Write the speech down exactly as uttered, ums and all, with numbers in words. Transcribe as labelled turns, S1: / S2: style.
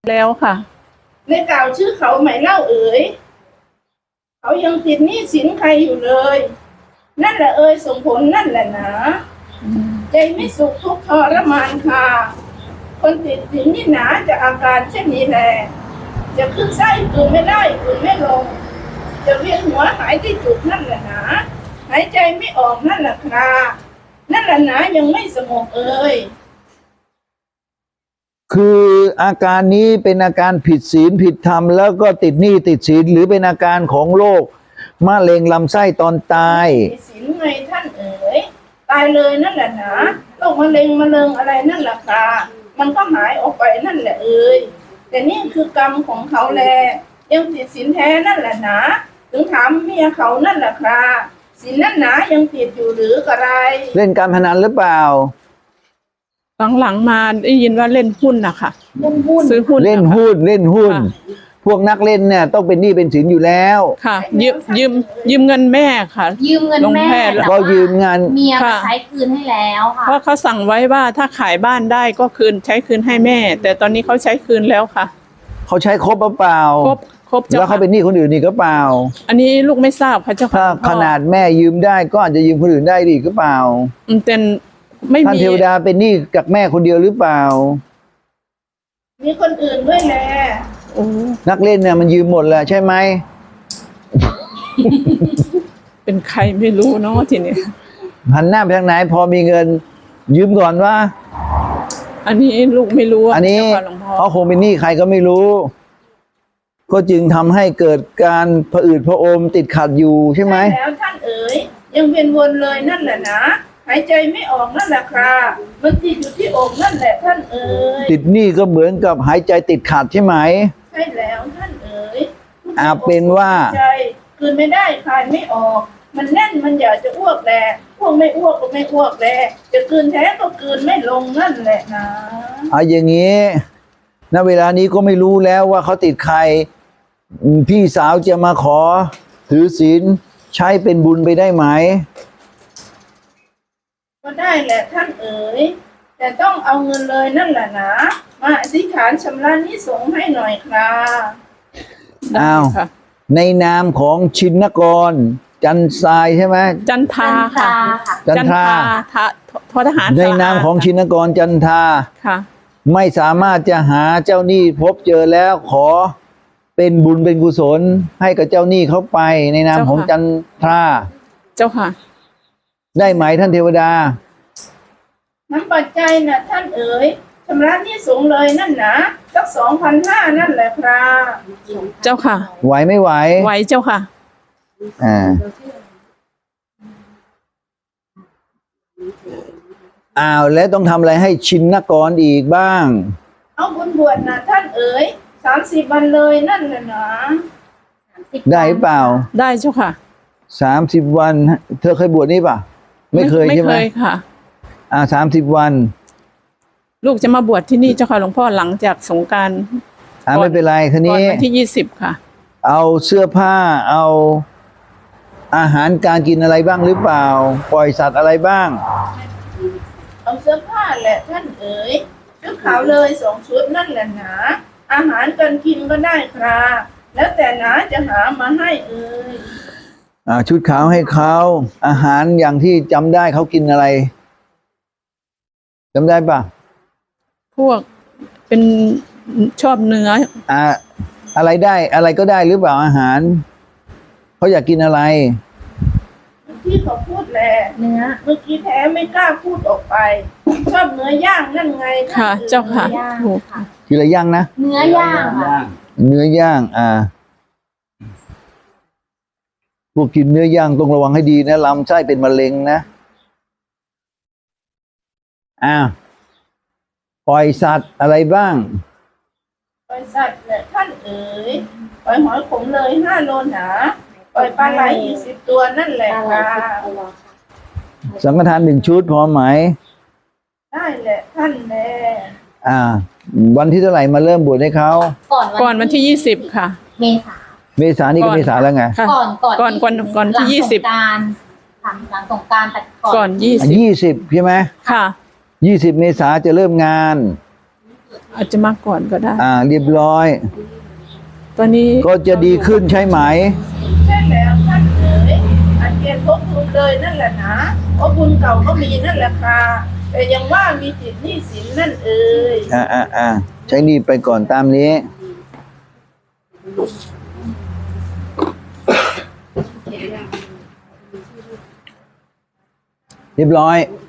S1: แล้วค่ะ
S2: ในกล่าวชื่อเขาไหมเล่าเอ๋ยเขายังติดหนี้สินใครอยู่เลยนั่นแหละเอ๋ยส่งผลนั่นแหละนะใจไม่สุขทุกข์ทรมานค่ะคนติดสินนี่หนาจะอาการเช่นนี้แหละจะขึ้นไส้คืนไม่ได้คืนไม่ลงจะเวียนหัวหายที่จุดนั่นแหละนะหายใจไม่ออกนั่นแหละค่ะนั่นแหละนะยังไม่สงบเอ๋ย
S3: คืออาการนี้เป็นอาการผิดศีลผิดธรรมแล้วก็ติดหนี้ติดศีลหรือเป็นอาการของโรคมะเร็งลำไส้ตอนตาย
S2: ติดศีลไงท่านเอ๋ยตายเลยนั่นแหละนะโรคมะเร็งมะเร็งอะไรนั่นแหละค่ะมันก็หายออกไปนั่นแหละเอ๋ยแต่นี่คือกรรมของเขาแลยังติดศีลแท้นั่นแหละนะถึงถามเมียเขานั่นแหละค่ะศีลนั่นหนายังติดอยู่หรือกระไร
S3: เล่นการพนันหรือเปล่า
S1: หลังๆมาได้ยินว่าเล่นหุ้นนะคะ
S2: เล่นหุ้น
S1: ซื้อหุ้น
S3: เล่นหุ้นเล่นหุ้นพวกนักเล่นเนี่ยต้องเป็นหนี้เป็นสินอยู่แล้ว
S1: ค่ะยืมยืมยืมเงินแม่ค่ะ
S4: ยืมเงินแม่
S3: แล้วก็ยืมเงิน
S4: เมียมาใช้คืนให้แล้วค่ะ
S1: เพราะเขาสั่งไว้ว่าถ้าขายบ้านได้ก็คืนใช้คืนให้แม่แต่ตอนนี้เขาใช้คืนแล้วค่ะ
S3: เขาใช้ครบหรือเปล่า
S1: ครบครบ
S3: แล้วเขาเป็นหนี้คนอื่นนี่ก็เปล่า
S1: อันนี้ลูกไม่ทราบค่ะเจ้าค่ะ
S3: ขนาดแม่ยืมได้ก็อาจจะยืมคนอื่นได้ดีหรือเปล่า
S1: เป็นไม่มี
S3: ท่านเทวดาเป็นหนี้กับแม่คนเดียวหรือเปล่า
S2: มีคนอื่นด้วยแหละ
S3: นักเล่นเนี่ยมันยืมหมดแหละใช่ไหม
S1: เป็นใครไม่รู้เนาะทีนี้
S3: หันหน้าไปทางไหนพอมีเงินยืมก่อนว่า
S1: อันนี้ลูกไม่รู้
S3: อันนี้เขาคงเป็นหนี้ใครก็ไม่รู้ก็จึงทำให้เกิดการผะอืดผะอมติดขัดอยู่ใช่ไหม
S2: แล้วท่านเอ๋ยยังเวียนวนเลยนั่นแหละนะหายใจไม่ออกนั่นแหละครับมันติดอยู่ที่อกนั่นแหละท่านเอ๋ย
S3: ติดหนี้ก็เหมือนกับหายใจติดขัดใช่ไหม
S2: ใช่แล้วท่านเอ๋ย
S3: อาเป็นว่า
S2: ใจคืนไม่ได้คลายไม่ออกมันแน่นมันอยากจะอ้วกแหละพวกไม่อ้วกก็ไม่อ้วกแหละจะคืนแท้ก็คืนไม่ลงนั่นแหละนะ
S3: เอาอย่างนี้ณเวลานี้ก็ไม่รู้แล้วว่าเขาติดใครพี่สาวจะมาขอถือศีลใช้เป็นบุญไปได้ไหม
S2: ก็ได้แหละท่านเอ๋ยแต่ต้องเอาเงินเลยนั่นแหละนะมาอธิษฐานชำระหนี้สงฆ์ให้หน่อยครับ
S3: อ้าวในนามของชินกรจันทรายใช่ไหม
S1: จันทราค่ะ
S3: จันทรา
S1: ททหาร
S3: ในนามของชินกรจันทรา
S1: ค่ะ
S3: ไม่สามารถจะหาเจ้าหนี้พบเจอแล้วขอเป็นบุญเป็นกุศลให้กับเจ้าหนี้เขาไปในนามของจันทรา
S1: เจ้าค่ะ
S3: ได้ไหมท่านเทวดา
S2: น้ำปัจจัยนะท่านเอ๋ยชำระหนี้สงฆ์เลยนั่นนะสักสองพันห้านั่นแหละครับ
S1: เจ้าค่ะ
S3: ไหวไม่ไหว
S1: ไหวเจ้าค่ะ
S3: อ่าอ้าวแล้วต้องทำอะไรให้ชินกรอีกบ้าง
S2: เอาบุญบวชนะท่านเอ๋ยสามสิบวันเลยนั่นแหละนะ
S3: ได้เปล่า
S1: ได้เจ้าค่ะ
S3: สามสิบวันเธอเคยบวชนี่ป่ะไม่เคยใช่ไหม
S1: ไม่เคยค่ะ
S3: อ่าสามสิบวัน
S1: ลูกจะมาบวชที่นี่เจ้าค่ะหลวงพ่อหลังจากสงกรานต์
S3: อ่าไม่เป็นไรทีนี้
S1: วันที่ยี่สิบค่ะ
S3: เอาเสื้อผ้าเอาอาหารการกินอะไรบ้างหรือเปล่าปล่อยสัตว์อะไรบ้าง
S2: เอาเสื้อผ้าแหละท่านเอ๋ยชุดขาวเลยสองชุดนั่นแหละนะอาหารการกินก็ได้ครับแล้วแต่นะจะหามาให้เอ๋ย
S3: อ่าชุดขาวให้เขาอาหารอย่างที่จำได้เขากินอะไรจำได้ป่ะ
S1: พวกเป็นชอบเนื้อ
S3: อ่าอะไรได้อะไรก็ได้หรือเปล่าอาหารเขาอยากกินอะไร
S2: ที่เขาพูดแหละเนื้อเมื่อกี้แท้ไม่กล้าพูดออกไปชอบเนื้อย่างนั่นไง
S1: ค่ะเจ้าค่ะ
S3: กินอะไรย่างนะ
S4: เนื้อย่าง
S3: เนื้อย่างอ่าพวกกินเนื้อย่างต้องระวังให้ดีนะลำไส้เป็นมะเร็งนะอ้าวปล่อยสัตว์อะไรบ้าง
S2: ปล่อยสัตว์เนี่ยท่านเอ๋ยปล่อยหอยขมเลยห้าโลหนาปล่อยปลาไหลอีกสิบตัวนั่นแหละค่ะ
S3: สังฆทานหนึ่งชุดพอไหม
S2: ได้แหละท่านแน่
S3: อ่าวันที่เท่าไหร่มาเริ่มบวชให้เขา
S1: ก่อนวันที่ยี่สิบค่ะ
S4: เมษา
S3: เมษานี่ก็เมษาแล้วไง
S4: ก่อนก่อน
S1: ก่อนก่อนก่อนที่ยี่สิบ
S4: การหลังสงกรานต์แต่
S1: ก่อนยี่สิบ
S3: ยี่สิบใช่ไหม
S1: ค่ะ
S3: ยี่สิบเมษาจะเริ่มงาน
S1: อาจจะมาก่อนก็ได้
S3: อ่าเรียบร้อย
S1: ตอนนี้
S3: ก็จะดีขึ้นใช่ไหม
S2: ใช่แล้วท่านเอ๋ยอันเกียรทบทุนเลยนั่นแหละนะเพราะบุญเก่าก็มีนั่นแหละค่ะแต่ยังว่ามีจิตหนี้สินนั่นเอ๋ย
S3: อ่าอ่าอ่าใช้หนี่ไปก่อนตามนี้ เรียบร้อย